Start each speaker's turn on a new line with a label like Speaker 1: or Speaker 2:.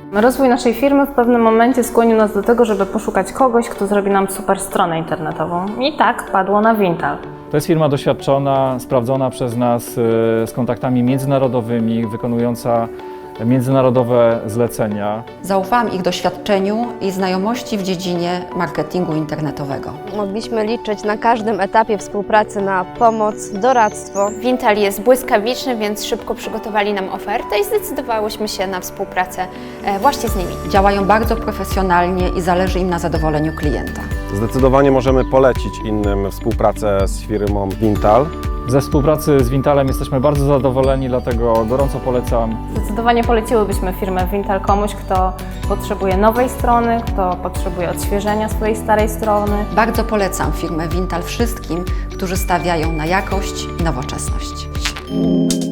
Speaker 1: Rozwój naszej firmy w pewnym momencie skłonił nas do tego, żeby poszukać kogoś, kto zrobi nam super stronę internetową. I tak padło na Vintal.
Speaker 2: To jest firma doświadczona, sprawdzona przez nas, z kontaktami międzynarodowymi, wykonująca międzynarodowe zlecenia.
Speaker 3: Zaufałam ich doświadczeniu i znajomości w dziedzinie marketingu internetowego.
Speaker 4: Mogliśmy liczyć na każdym etapie współpracy na pomoc, doradztwo.
Speaker 5: Vintal jest błyskawiczny, więc szybko przygotowali nam ofertę i zdecydowałyśmy się na współpracę właśnie z nimi.
Speaker 3: Działają bardzo profesjonalnie i zależy im na zadowoleniu klienta.
Speaker 6: Zdecydowanie możemy polecić innym współpracę z firmą Vintal.
Speaker 2: Ze współpracy z Vintalem jesteśmy bardzo zadowoleni, dlatego gorąco polecam.
Speaker 1: Zdecydowanie poleciłybyśmy firmę Vintal komuś, kto potrzebuje nowej strony, kto potrzebuje odświeżenia swojej starej strony.
Speaker 3: Bardzo polecam firmę Vintal wszystkim, którzy stawiają na jakość i nowoczesność.